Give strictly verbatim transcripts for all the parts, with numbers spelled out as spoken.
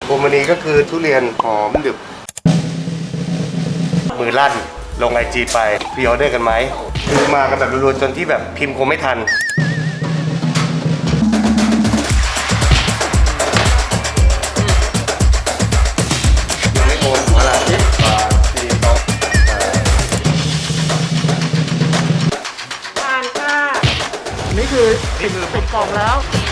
พวงมณีก็คือทุเรียนหอมดึบมือลั่นลงไอจีไปพรีออเดอร์กันไหมคือมากันแบบรัวๆจนที่แบบพิมพ์คงไม่ทันยังไม่โอนหัวละสิบบาทสี่สองทานค่ะนี่คือนี่คือเป็นกล่องแล้ว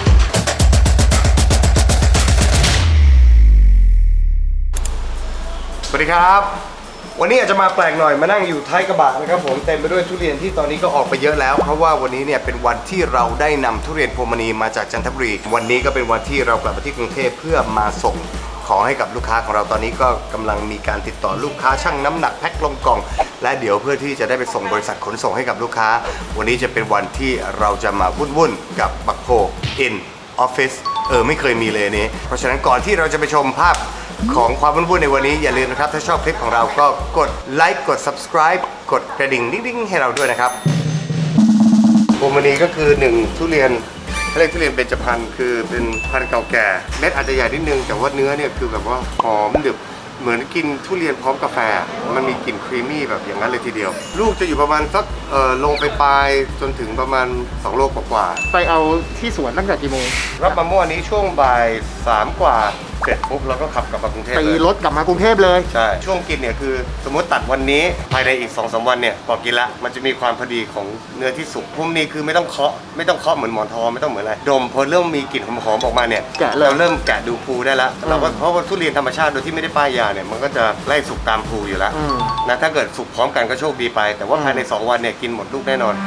สวัสดีครับวันนี้อาจจะมาแปลกหน่อยมานั่งอยู่ท้ายกระบะนะครับผมเต็มไปด้วยทุเรียนที่ตอนนี้ก็ออกไปเยอะแล้วเพราะว่าวันนี้เนี่ยเป็นวันที่เราได้นำทุเรียนพวงมณีมาจากจันทบุรีวันนี้ก็เป็นวันที่เรากลับมาที่กรุงเทพเพื่อมาส่งของให้กับลูกค้าของเราตอนนี้ก็กำลังมีการติดต่อลูกค้าชั่งน้ำหนักแพ็คลงกล่องและเดี๋ยวเพื่อที่จะได้ไปส่งบริษัทขนส่งให้กับลูกค้าวันนี้จะเป็นวันที่เราจะมาวุ่นๆกับบักโพ in office เออไม่เคยมีเลยนี้เพราะฉะนั้นก่อนที่เราจะไปชมภาพของความวุ่นๆในวันนี้อย่าลืมนะครับถ้าชอบคลิปของเราก็กดไลค์กด subscribe กดกระดิ่งดิ้งๆให้เราด้วยนะครับพวงมณีก็คือหนึ่งทุเรียนเรียกทุเรียนเบญจพรรณคือเป็นพันธุ์เก่าแก่เม็ดอาจจะใหญ่นิดนึงแต่ว่าเนื้อเนี่ยคือแบบว่าหอมดึบเหมือนกินทุเรียนพร้อมกาแฟมันมีกลิ่นครีมมี่แบบอย่างนั้นเลยทีเดียวลูกจะอยู่ประมาณสักเอ่อลงไปปลายจนถึงประมาณสองโลกว่าๆไปเอาที่สวนตั้งแต่กี่โมงรับมาเมื่อวานนี้ช่วงบ่ายสามกว่าเสร็จปุ๊บเราก็ขับกลับมากรุงเทพไปเลยรถกลับมากรุงเทพเลยใช่ช่วงกินเนี่ยคือสมมติตัดวันนี้ภายในอีก สองสาม วันเนี่ยพอกินละมันจะมีความพอดีของเนื้อที่สุกพวกนี้คือไม่ต้องเคาะไม่ต้องเคาะเหมือนหมอนทองไม่ต้องเหมือนอะไรดมพอเริ่มมีกลิ่นหอมๆออกมาเนี่ยเราเริ่มแกะดูภูได้แล้วเราก็เพราะว่าทุเรียนธรรมชาติโดยที่ไม่ได้ป้ายยาเนี่ยมันก็จะไล่สุกตามภูอยู่แล้วนะถ้าเกิดสุกพร้อมกันก็โชคดีไปแต่ว่าภายในสองวันเนี่ยกินหมดลูกแน่นอน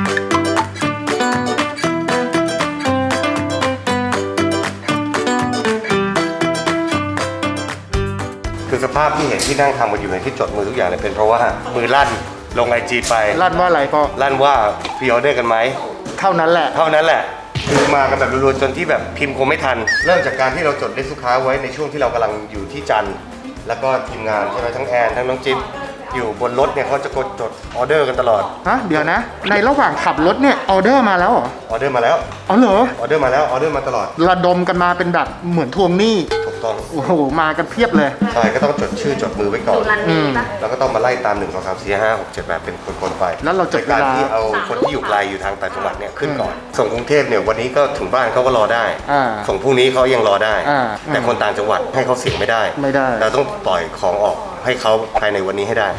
คือสภาพที่เห็นที่นั่งทำกันอยู่ในที่จดมือทุกอย่างเนี่ยเป็นเพราะว่ามือลั่นลงไอจีไปลั่นว่าอะไรก็ลั่นว่าพรีออเดอร์กันไหมเท่านั้นแหละเท่านั้นแหละคือมากันแบบรัวๆจนที่แบบพิมพ์คงไม่ทันเริ่มจากการที่เราจดเลขลูกค้าไว้ในช่วงที่เรากำลังอยู่ที่จันทร์แล้วก็ทีมงานใช่ไหมทั้งแอนทั้งน้องจิ๊บอยู่บนรถเนี่ยเขาจะกดจดออเดอร์กันตลอดฮะเดี๋ยวนะในระหว่างขับรถเนี่ยออเดอร์มาแล้วเหรอออเดอร์มาแล้วอ๋อเหรอออเดอร์มาแล้วออเดอร์มาตลอดระดมกันมาเป็นแบบเหมือนทวงหนี้ถูกต้องโอ้โหมากันเพียบเลยใช่ก็ต้องจดชื่อจดมือไว้ก่อนแล้วก็ต้องมาไล่ตามหนึ่งสองสามสี่ห้าหกเจ็ดแปดเป็นคนๆไปแล้วเราจดการที่เอาคนที่อยู่ไกลอยู่ทางต่างจังหวัดเนี่ยขึ้นก่อนส่งกรุงเทพเนี่ยวันนี้ก็ถึงบ้านเขาก็รอได้ส่งพรุ่งนี้เขายังรอได้แต่คนต่างจังหวัดให้เขาเสี่ยงไม่ได้ไม่ได้เราต้องปล่อยของออกให้เขาภายในวันนี้ให้ได้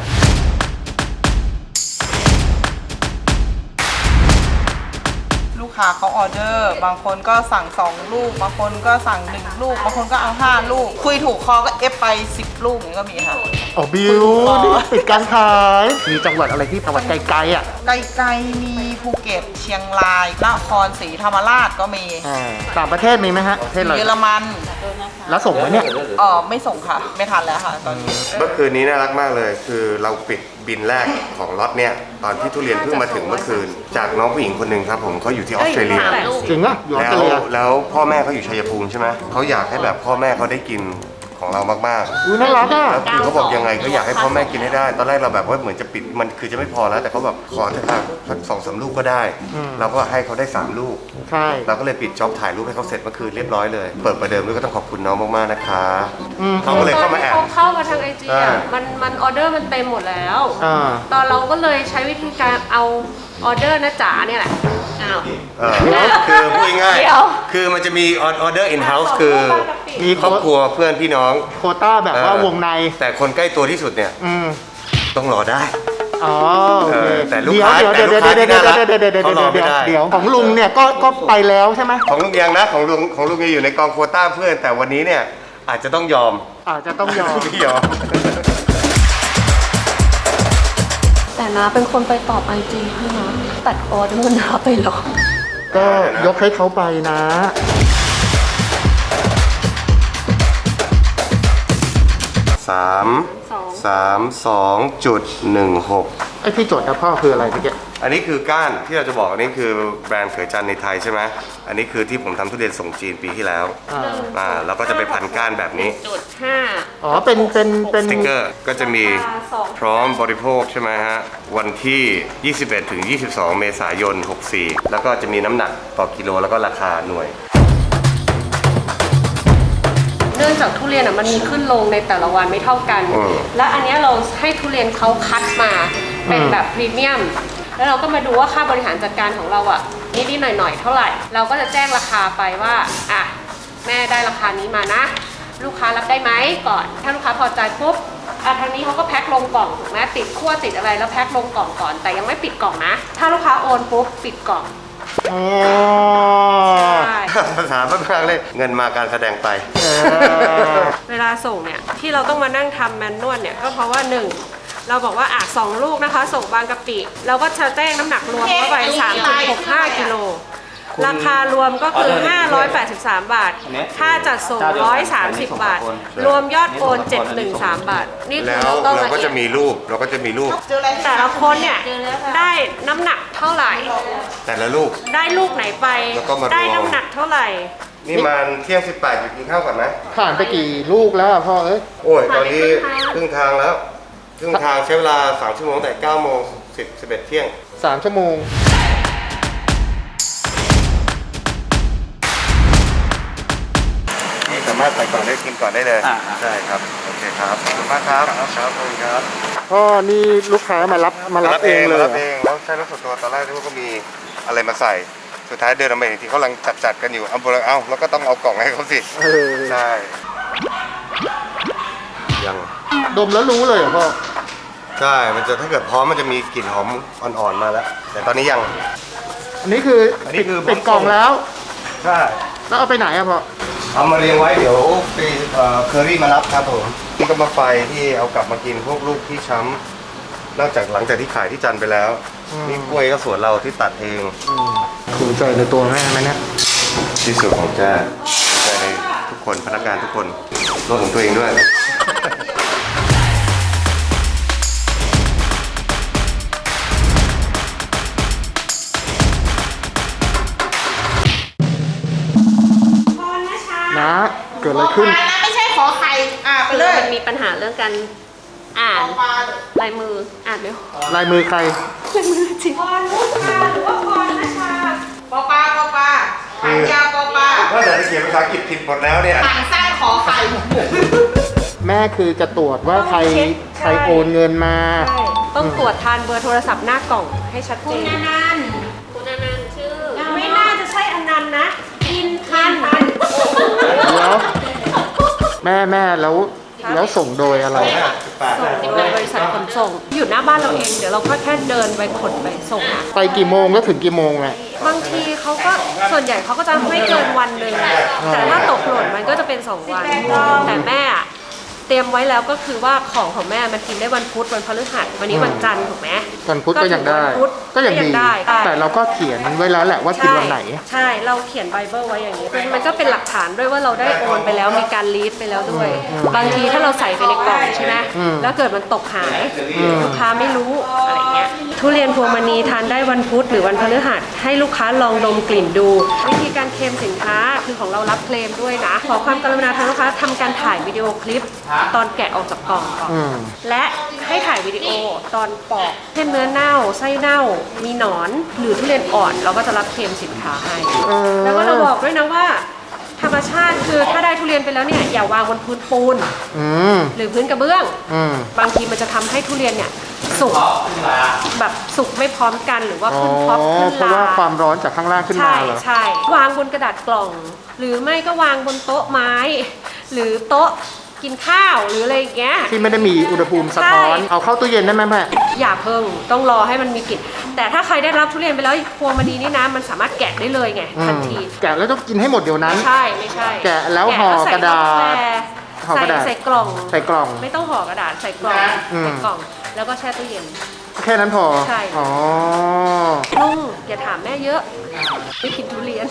ลูกค้าเขาออเดอร์บางคนก็สั่งสองลูกบางคนก็สั่งหนึ่งลูกบางคนก็เอาห้าลูกคุยถูกคอก็เอฟไปสิบลูกอย่างนี้ก็มีค่ะอ๋อบิวนี่ปิดการขายมีจังหวัดอะไรที่จังหวัดไกลๆอ่ะไกลๆมีภูเก็ตเชียงรายนครศรีธรรมราชก็มีต่างประเทศมีไหมฮะประเทศอะไรเยอรมันแล้วส่งไหมเนี่ยอ๋อไม่ส่งค่ะไม่ทันแล้วค่ะตอนนี้เมื่อคืนนี้น่ารักมากเลยคือเราปิดบินแรกของล็อตเนี่ยตอนที่ทุเรียนเพิ่งมาถึงเมื่อคืนจากน้องผู้หญิงคนหนึ่งครับผมเขาอยู่ที่ออสเตรเลียจริงอ่ะอยู่ออสเตรเลียแล้วพ่อแม่เขาอยู่ชัยภูมิใช่ไหมเขาอยากให้แบบพ่อแม่เขาได้กินของเรามากๆอุ้ยน่ารักอ่ะแล้วคือเขาบอกยังไงก็อยากให้พ่อแม่กินให้ได้ตอนแรกเราแบบว่าเหมือนจะปิดมันคือจะไม่พอแล้วแต่เขาแบบขอเถอะค่ะสักสองสามลูกก็ได้เราก็ให้เขาได้สามลูกใช่เราก็เลยปิดจ็อบถ่ายรูปให้เขาเสร็จเมื่อคืนเรียบร้อยเลยเปิดประเดิมด้วยก็ต้องขอบคุณน้องมากๆนะคะเขาก็เลยเข้ามาแอบเข้ามาทางไอจีอ่ะมันมันออเดอร์มันเต็มหมดแล้วตอนเราก็เลยใช้วิธีการเอาออเดอร์นะจ๋าเนี่ยแหละอ้าวคือพูดง่ายๆคือมันจะมีออเดอร์อินเฮ้าส์คือมีครอบครัวเพื่อนพี่น้องโควต้าแบบว่าวงในแต่คนใกล้ตัวที่สุดเนี่ยต้องรอได้อ๋อแต่ลูกค้าแต่ลูกค้าที่น่ารักเขารอไม่ได้เดี๋ยวของลุงเนี่ยก็ก็ไปแล้วใช่ไหมของลุงยังนะของลุงของลุงยังอยู่ในกองโควต้าเพื่อนแต่วันนี้เนี่ยอาจจะต้องยอมอาจจะต้องยอมยอมแต่นะเป็นคนไปตอบไอจีให้นะตัดออเดอร์นะไปหรอก็ยกให้เขาไปนะสามสามสองจุดหนึ่งหกไอ้ที่จดนะพ่อคืออะไรเมื่อกี้อันนี้คือก้านที่เราจะบอกอันนี้คือแบรนด์เขยจันในไทยใช่ไหมอันนี้คือที่ผมทำทุเรียนส่งจีนปีที่แล้วอ่าแล้วก็จะไปพันก้านแบบนี้จุดห้าอ๋อเป็นเป็นเป็นสติ๊กเกอร์ก็จะมีพร้อมบริโภคใช่ไหมฮะวันที่ยี่สิบเอ็ดถึงยี่สิบสองเมษายนหกสี่แล้วก็จะมีน้ำหนักต่อกิโลแล้วก็ราคาหน่วยเนื่องจากทุเรียนอ่ะมันมีขึ้นลงในแต่ละวันไม่เท่ากันอืมและอันเนี้ยเราให้ทุเรียนเขาคัดมาเป็นแบบพรีเมียม แล้วเราก็มาดูว่าค่าบริหารจัดการของเราอ่ะนิดๆหน่อยๆเท่าไหร่ เราก็จะแจ้งราคาไปว่าอ่ะแม่ได้ราคานี้มานะ ลูกค้ารับได้ไหมก่อน ถ้าลูกค้าพอใจปุ๊บอ่ะทางนี้เขาก็แพ็คลงกล่องถูกไหมติดขั้วติดอะไรแล้วแพ็คลงกล่องก่อน แต่ยังไม่ปิดกล่องนะ ถ้าลูกค้าโอนปุ๊บปิดกล่องอ๋อใช่ภาษาบ้านๆเลยเงินมาการแสดงไปเออเวลาส่งเนี่ยที่เราต้องมานั่งทำแมนนวลเนี่ยก็เพราะว่าหนึ่งเราบอกว่าอ่ะสองลูกนะคะส่งบางกะปิเราก็จะแจ้งน้ำหนักรวมเข้าไป สามจุดหกห้า กิโลราคารวมก็คือ ห้าร้อยแปดสิบสาม บาท ค่าจัดส่ง หนึ่งร้อยสามสิบ บาท รวมยอดโอน เจ็ดร้อยสิบสาม บาท นี่คือแล้วเราต้องเราละก็เอีจะยดมีรูปเราก็จะมีรูปแต่ละคนเนี่ยได้น้ำหนักเท่าไหร่แต่ละลูกได้ลูกไหนไปแล้วก็มารวมได้น้ำหนักเท่าไหร่นี่มันเที่ยงสิบแปดอยู่กินข้าวก่อนไหมผ่านไปกี่ลูกแล้วอะพ่อเอ้ยโอ้ยตอนนี้ครึ่งทางแล้วครึ่งทางใช้เวลาสามชั่วโมงแต่เก้าโมงสิบ สิบเอ็ดเที่ยงสามชั่วโมงนี่สามารถใส่ก่อนได้กินก่อนได้เลยใช่ครับโอเคครับขอบคุณมากครับครับขอบคุณครับพ่อนี่ลูกค้ามารับมารับเองเลยมาเหรรับอเองแล้วใช้รถส่วนตัวตอนแรกที่ว่าก็มีอะไรมาใส่สุดท้ายเดินออกมาอีกทีเขากำลังจัดจัดๆกันอยู่เอาเอ้าแล้วก็ต้องเอากล่องให้เขาสิเออใช่ยังดมแล้วรู้เลยเหรอพ่อใช่ มันจะถ้าเกิดพร้อมมันจะมีกลิ่นหอมอ่อนๆมาแล้ว แต่ตอนนี้ยังอันนี้คืออนนี้คือปิดกล่องแล้วใช่แล้วเอาไปไหนอะพ่อเอามาเรียงไว้เดี๋ยวไปเอ่อเคอรี่มารับครับผมนี่ก็มาไฟที่เอากลับมากินพวกลูกที่ช้ำนอกจากหลังจากที่ขายที่จันทร์ไปแล้ว นี่กล้วยก็สวนเราที่ตัดเองภูมิใจในตัวแม่ไหมเนี่ยที่สุดของแจ้ภูมิใจในทุกคนพนักงานทุกคนรวมถึงตัวเองด้วยนะ เกิดอะไรขึ้นนะไม่ใช่ขอไข่อ่ะไปคือเลยมันมีปัญหาเรื่องการอ่านลายมืออ่านไม่ออกลายมือใครลายมือจริงพรมุชาหรือว่าพรนชาปอปาปอปาหางยาวปอปาว่าแต่เขียนภาษาอังกฤษผิดหมดแล้วเนี่ยหางสั้นขอไข่แม่คือจะตรวจว่าใครใครโอนเงินมาใช่ต้องตรวจทานเบอร์โทรศัพท์หน้ากล่องให้ชัดเจนคุณอนันต์คุณอนันต์ชื่อยังไม่ไม่น่าจะใช่อนันต์นะอินพันธ์แล้วแม่แม่แล้วแล้วส่งโดยอะไรส่งโดยบริษัทขนส่ง อยู่หน้าบ้านเราเองเดี๋ยวเราก็แค่เดินไปขนไปส่งอะไปกี่โมงแล้วถึงกี่โมงแม่บางทีเขาก็ส่วนใหญ่เขาก็จะไม่เกินวันหนึ่งแต่ถ้าตกหล่นมันก็จะเป็นสองวันแต่แม่อะเตรียมไว้แล้วก็คือว่าของของแม่มันกินได้วันพุธวันพฤหัสวันนี้วันจันทร์ถูกไหมวันพุธก็ยังได้วันพุธก็ยังดีได้แต่เราก็เขียนไว้แล้วแหละว่ากินวันไหนใช่เราเขียนไบเบิลไว้อย่างนี้มันก็เป็นหลักฐานด้วยว่าเราได้โอนไปแล้วมีการลีดไปแล้วด้วย บางทีถ้าเราใส่ไปในกล่องใช่ไหมอืมแล้วเกิดมันตกหายอืมลูกค้าไม่รู้อะไรเงี้ยทุเรียนพวงมณีทานได้วันพุธหรือวันพฤหัสให้ลูกค้าลองดมกลิ่นดู วิธีการเคลมสินค้าคือของเรารับเคลมด้วยนะขอความกรุณาทางลูกค้าทำการถ่ายวิดีโอคลิป ตอนแกะออกจากกล่องก่อนอืมและให้ถ่ายวิดีโอตอนปอกเช่นเนื้อเน่าไส้เน่า มีหนอนหรือทุเรียนอ่อนเราก็จะรับเคลมสินค้าให้เออแล้วก็เราบอกด้วยนะว่า ธรรมชาติคือถ้าได้ทุเรียนไปแล้วเนี่ยอย่าวางบนพื้นปูนอืมหรือพื้นกระเบื้องอืมบางทีมันจะทำให้ทุเรียนเนี่ยสุกแบบสุกไม่พร้อมกันหรือว่าอ๋อขึ้นท็อปขึ้นเพราะว่าลาความร้อนจากข้างล่างขึ้นมาใช่เหรอใช่วางบนกระดาษกล่อง หรือไม่ก็วางบนโต๊ะไม้ หรือโต๊ะกินข้าวหรืออะไรอย่างเงี้ยที่ไม่ได้มีอุณหภูมิสะท้อนใช่เอาเข้าตู้เย็นได้ไหมแม่อย่าเพิ่งต้องรอให้มันมีกลิ่นแต่ถ้าใครได้รับทุเรียนไปแล้วพวงมณีนี่นะมันสามารถแกะได้เลยไงอืทันมทีแกะแล้วต้องกินให้หมดเดี๋ยวนั้นไม่ใช่ไม่ใช่แกะแล้วห่อกระดาษห่อกใส่ระดาษใส่กล่องใส่กล่องไม่ต้องห่อกระดาษใส่กล่องอืมใส่กล่อง แล้วก็แช่ตู้เย็นแค่นั้นพอใช่อ๋อลุงอย่าถามแม่เยอะไม่กินทุเรียน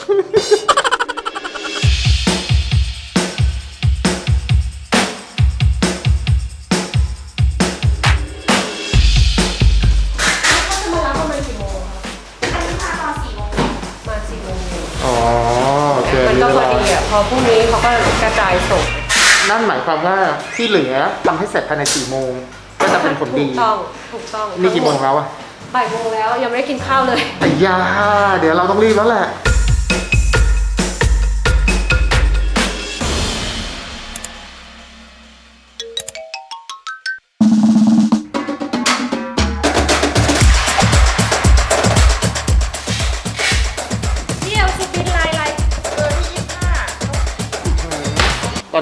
อ๋อเจอมันก็พอดีอ่ะ พอพรุ่งนี้เขาก็กระจายส่งนั่นหมายความว่าที่เหลือทำให้เสร็จภายในสี่โมงก็จะเป็นผลดีถูกต้อง ถูกต้องนี่กี่โมงแล้วอะบ่ายโมงแล้วยังไม่ได้กินข้าวเลยไอ้ยาเดี๋ยวเราต้องรีบแล้วแหละ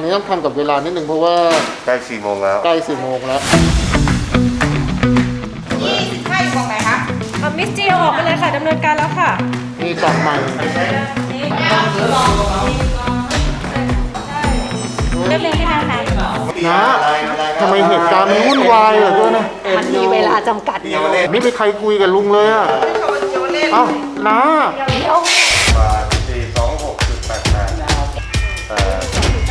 นี้ต้องทันกับเวลานิดนึงเพราะว่าใกล้สี่โมงแล้วใกล้สี่โมงแล้วยี่สิบห้าอยู่ตรงไหนคะเอามิสจีเอาออกไปเลยค่ะดำเนินการแล้วค่ะมีกล่องใหม่เรียบเรียงให้นะคะนะทำไมเหตุการณ์มันวุ่นวายเหลือเกินนะมันมีเวลาจำกัดไม่มีใครคุยกับลุงเลยอ่ะเอ้านะบาทสี่สองหกจุดแปดแปดเอ่อ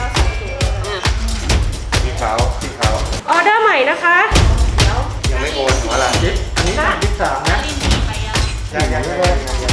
พี่เขาพี่เขาออเดอร์ใหม่นะคะยังไม่โอนหัวละอันนี้ยี่สิบสามนะยังยังยังยัง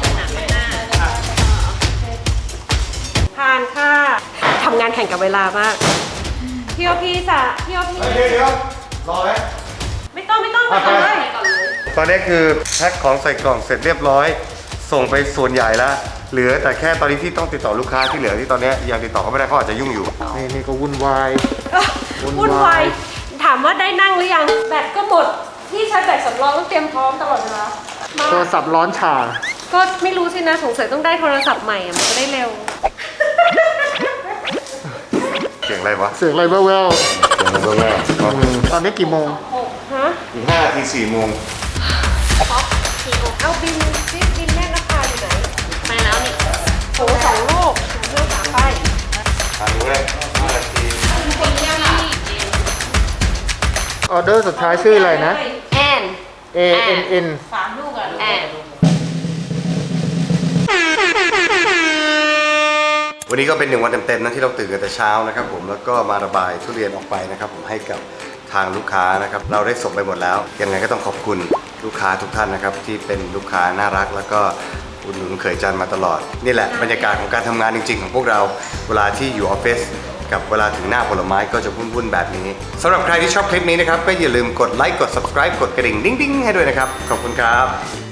ผ่านค่ะทำงานแข่งกับเวลามากพี่โอพีจ้ะพี่โอพีเดี๋ยวเดี๋ยวรอไหมไม่ต้องไม่ต้องไปก่อนเลยตอนนี้คือแพ็คของใส่กล่องเสร็จเรียบร้อย ส่งไปส่วนใหญ่แล้ว เหลือแต่แค่ตอนนี้ที่ต้องติดต่อลูกค้าที่เหลือที่ตอนนี้ยังติดต่อเขาไม่ได้เขาอาจจะยุ่งอยู่นี่นี่ก็วุ่นวาย วุ่วุ่นนวาวาย ยถามว่าได้นั่งหรือยังแบตก็หมดพี่ใช้แบตสำรองต้องเตรียมพร้อมตลอดเวลามาโทรศัพท์ร้อนฉ่าก็ไม่รู้สินะสงสัยต้องได้โทรศัพท์ใหม่อะมันจะได้เร็วเสียงอะไรวะเสียงอะไรแว่วเสียงอะไรแว่วๆอืมตอนนี้กี่โมงฮะอีกห้านาทีสี่โมงเอาบินซิบินแม่ราคาอยู่ไหนมาแล้วนี่โหสองลูกเลือกสามใบอ่านดูเลยห้านาทีออเดอร์สุดท้ายชื่ออะไรนะแอน A N N สามลูกอ่ะแอนวันนี้ก็เป็นหนึ่งวันเต็มๆนะที่เราตื่นกันแต่เช้านะครับผมแล้วก็มาระบายทุเรียนออกไปนะครับผมให้กับทางลูกค้านะครับเราได้ส่งไปหมดแล้วยังไงก็ต้องขอบคุณลูกค้าทุกท่านนะครับที่เป็นลูกค้าน่ารักแล้วก็อุดหนุนเขยจันมาตลอดนี่แหละบรรยากาศของการทำงานจริงๆของพวกเราเวลาที่อยู่ออฟฟิศกับเวลาถึงหน้าผลไม้ก็จะวุ่นๆแบบนี้สำหรับใครที่ชอบคลิปนี้นะครับก็อย่าลืมกดไลค์กด subscribe กดกระดิ่งดิ้งๆให้ด้วยนะครับขอบคุณครับ